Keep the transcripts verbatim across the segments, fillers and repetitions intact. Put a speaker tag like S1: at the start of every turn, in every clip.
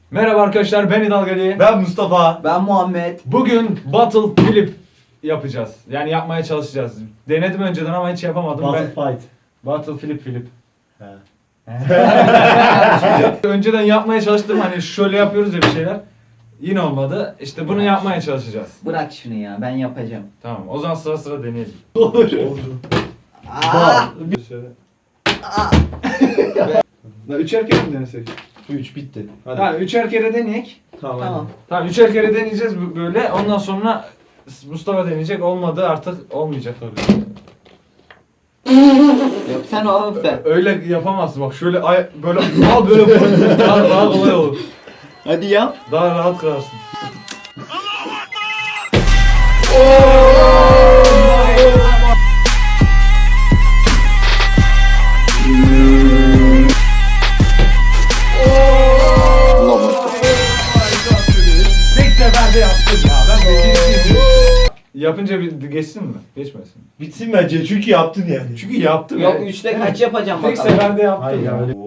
S1: Merhaba arkadaşlar, ben İdal Gali.
S2: Ben Mustafa.
S3: Ben Muhammed.
S1: Bugün Battle Flip yapacağız. Yani yapmaya çalışacağız. Denedim önceden ama hiç yapamadım.
S2: Battle
S1: ben...
S2: Fight.
S1: Battle Flip Flip.
S2: He.
S1: Önceden yapmaya çalıştım, hani şöyle yapıyoruz ya bir şeyler. Yine olmadı. İşte bunu yapmaya çalışacağız.
S3: Bırak şunu ya, ben yapacağım.
S1: Tamam, o zaman sıra sıra deneyelim.
S2: Olur.
S3: Aa!
S1: Şöyle.
S4: La üçer kere mi denesek?
S2: üç bitti. Hadi.
S1: Tamam, üçer kere deneyek.
S2: Tamam.
S3: Tamam.
S1: Tamam, üçer kere deneyeceğiz bu- böyle. Ondan sonra Mustafa deneyecek. Olmadı artık olmayacak tabii.
S3: Yok sen oğlum sen.
S1: Öyle yapamazsın bak, şöyle ay böyle al böyle koy. daha, daha kolay olur.
S3: Hadi yap.
S1: Daha rahat kırarsın. Tek seferde yaptın ya. Ben becericiyim. Yapınca bir geçsin mi? Geçmesin.
S2: Bitsin bence çünkü yaptın yani.
S1: Çünkü yaptım.
S3: Yok
S1: ya.
S3: üçte kaç yapacağım
S1: Tek
S3: bakalım.
S1: seferde yaptım.
S2: Hayır
S1: ya.
S2: ya.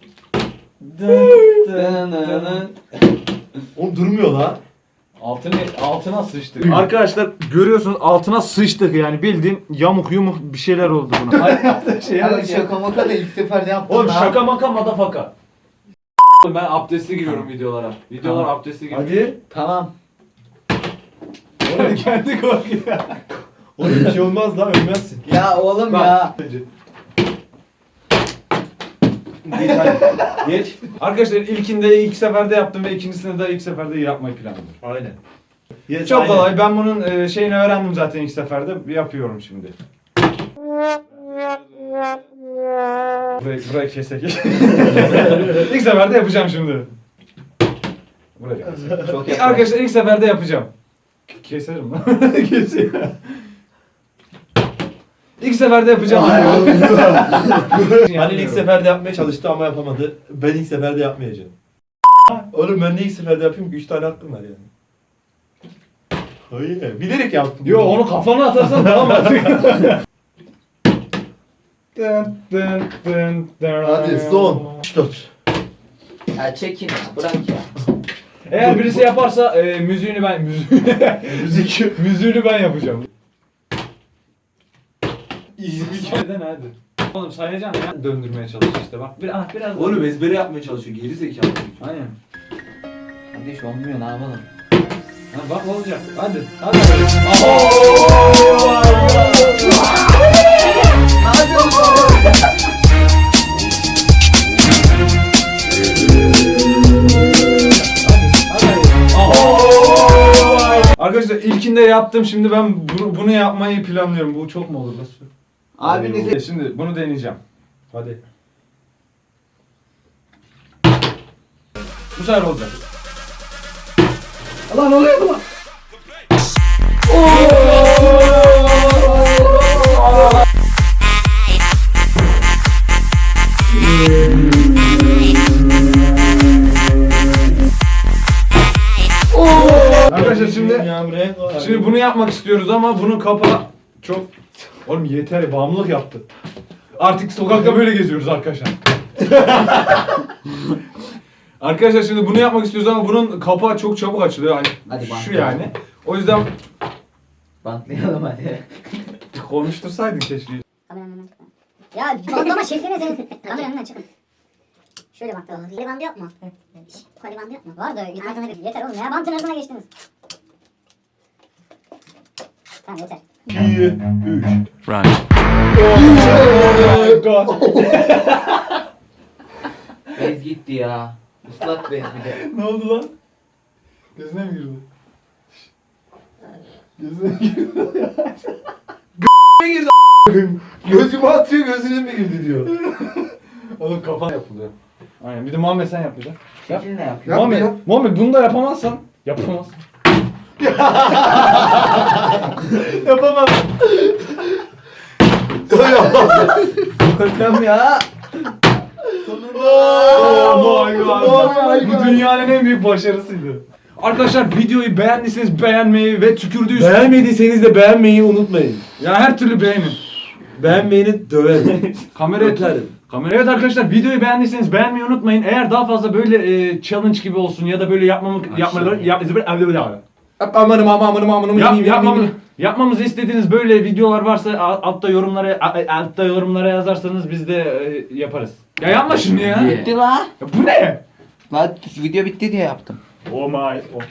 S3: Dınınının.
S2: Oğlum durmuyor lan.
S1: Altına, altına sıçtık. Arkadaşlar görüyorsunuz, altına sıçtık yani, bildiğin yamuk yumuk bir şeyler oldu buna.
S4: Şey
S3: Ya şaka maka da ilk seferde yaptım.
S1: Oğlum
S3: lan.
S1: şaka maka madafaka. Ben abdestli giriyorum videolara. Videolar
S2: Tamam.
S1: abdestli giriyorum.
S2: Hadi.
S3: Tamam.
S1: Oğlum kendi korkuyor.
S2: Oğlum bir şey olmaz lan ölmezsin.
S3: Ya oğlum
S1: Bak.
S3: ya.
S2: Geç hadi. Geç.
S1: Arkadaşlar ilkinde ilk seferde yaptım ve ikincisinde de ilk seferde yapmayı planlıyorum.
S2: Aynen. Yes,
S1: Çok
S2: aynen.
S1: kolay. Ben bunun e, şeyini öğrendim zaten ilk seferde. Yapıyorum şimdi. Burayı, burayı kesek. İlk seferde yapacağım şimdi. Burayı kesek.
S3: Çok
S1: İlk-
S3: yapar.
S1: Arkadaşlar ilk seferde yapacağım. K- Keserim lan. Keseyim. İlk seferde yapacağım.
S2: Hani ilk seferde yapmaya çalıştı ama yapamadı. Ben ilk seferde yapmayacağım. Oğlum ben de ilk seferde yapayım ki üç tane hakkım var yani. Hayır. Bilerek yaptım.
S1: Yo, onu kafana atarsan daha mantıklı. Dın dın dın dın.
S2: Hadi son. Dört.
S3: Ya çekin ya, bırak ya.
S1: Eğer birisi yaparsa e, müziğini ben müziğini, müzik müziğini ben yapacağım. Neden hadi? Oğlum sayacaksın ya. Döndürmeye çalış işte bak. Bir, ah, biraz daha.
S4: Oğlum ezbere yapmaya çalışıyor. Geri zekalı.
S1: Aynen.
S3: Kardeş olmuyor, ne yapalım?
S1: Ha, bak olacak. Hadi. Hadi. Arkadaşlar ilkinde yaptım, şimdi ben bunu, bunu yapmayı planlıyorum. Bu çok mu olur? Nasıl?
S3: Abinize...
S1: Şimdi bunu deneyeceğim.
S2: Hadi.
S1: Bu sefer olacak.
S4: Lan oluyor mu lan?
S1: Arkadaşlar şimdi
S2: Ya buraya koy.
S1: şimdi bunu yapmak istiyoruz ama bunun kapağı çok... Oğlum yeter, bağımlılık yaptı. Artık sokakta böyle geziyoruz arkadaşlar. Arkadaşlar şimdi bunu yapmak istiyoruz ama bunun kapağı çok çabuk açılıyor. Hani
S3: Hadi
S1: şu
S3: bantlayalım.
S1: yani. O yüzden
S3: Bantlayalım hadi.
S1: konuştursaydın keşke.
S5: Kameranın önünden çıkma. Ya bantlama şekline senin. Kameranın önünden çıkın. Şöyle bantla. Koli bandı yok mu? Koli bandı yok mu? Var da altına bir. Yeter oğlum ya, bantın arasına geçtiniz. Tamam yeter.
S2: iki, üç.
S3: Bez gitti ya. Islak bez bir de.
S1: Ne oldu lan? Gözüne mi girdi? Gözüne mi girdi?
S2: Gözüme atıyor gözüne mi girdi diyor.
S1: Oğlum kafa yapılıyor. Aynen. Bir de Muhammed sen yap bir de. Yap.
S3: Şekil ne yapıyor?
S1: Muhammed, Muhammed bunu da yapamazsan yapamaz.
S2: Yapamam.
S3: Korkam ya.
S1: Oh my god.
S2: Oh my
S1: Bu
S2: God.
S1: dünyanın en büyük başarısıydı. Arkadaşlar videoyu beğendiyseniz beğenmeyi ve tükürdüyseniz
S2: Beğenmediyseniz de beğenmeyi unutmayın.
S1: ya her türlü beğenin.
S2: Beğenmeyeni döverim.
S1: Kameraya
S2: Öperim.
S1: Kamera. Evet arkadaşlar, videoyu beğendiyseniz beğenmeyi unutmayın. Eğer daha fazla böyle e, challenge gibi olsun ya da böyle yapmamı yapmaları yap,
S2: Amanım amanım amanım.
S1: yap, yapmamı, yapmamızı istediğiniz böyle videolar varsa a- altta yorumlara a- altta yorumlara yazarsanız biz de e, yaparız. Ya yapma şunu ya.
S3: Bitti la.
S1: Ya bu ne?
S3: La video bitti diye yaptım.
S1: Oh my. Oh.